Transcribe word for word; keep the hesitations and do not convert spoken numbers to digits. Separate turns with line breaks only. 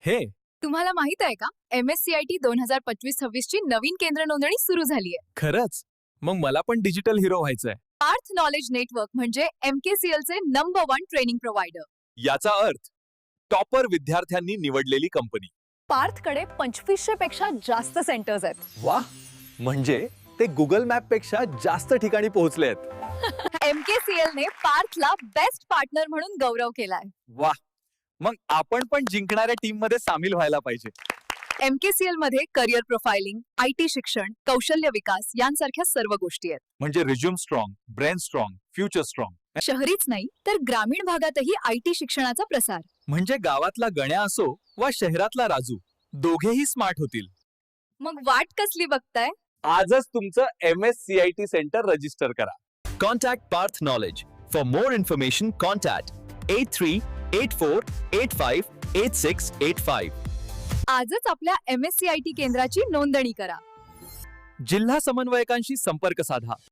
हे
तुम्हाला माहित आहे का M S C I T दोन हजार पंचवीस सव्वीस ची नवीन केंद्र नोंदणी सुरू झाली आहे.
खरंच? मग मला पण डिजिटल हिरो व्हायचंय.
पार्थ नॉलेज नेटवर्क म्हणजे एम के सी एल चे नंबर वन ट्रेनिंग प्रोव्हायडर.
याचा अर्थ टॉपर विद्यार्थ्यांनी निवडलेली कंपनी.
पार्थकडे पंचवीसशे पेक्षा जास्त सेंटर्स आहेत.
वा, म्हणजे ते गुगल मॅप पेक्षा जास्त ठिकाणी पोहोचले आहेत.
एम के सी एल ने पार्थला बेस्ट पार्टनर म्हणून गौरव केलाय.
वा, मग आपण पण जिंकणाऱ्या टीम मध्ये सामील व्हायला पाहिजे.
एम के सी एल मध्ये करिअर प्रोफाइलिंग, आय टी शिक्षण, कौशल्य विकास यांसारख्या सर्व गोष्टी आहेत.
म्हणजे resume strong, brain strong, future strong.
शहरीच नाही तर ग्रामीण भागातही आय टी शिक्षणाचा प्रसार.
म्हणजे गावातला गण्या असो वा शहरातला राजू, दोघेही स्मार्ट होतील.
मग वाट कसली बघताय?
आजच तुमचं M S C I T centre register करा.
Contact Parth Knowledge. For more information, contact eight three eight four eight five eight six eight five.
आजच आपल्या M S C I T केंद्राची नोंदणी करा.
जिल्हा समन्वयकांशी संपर्क साधा.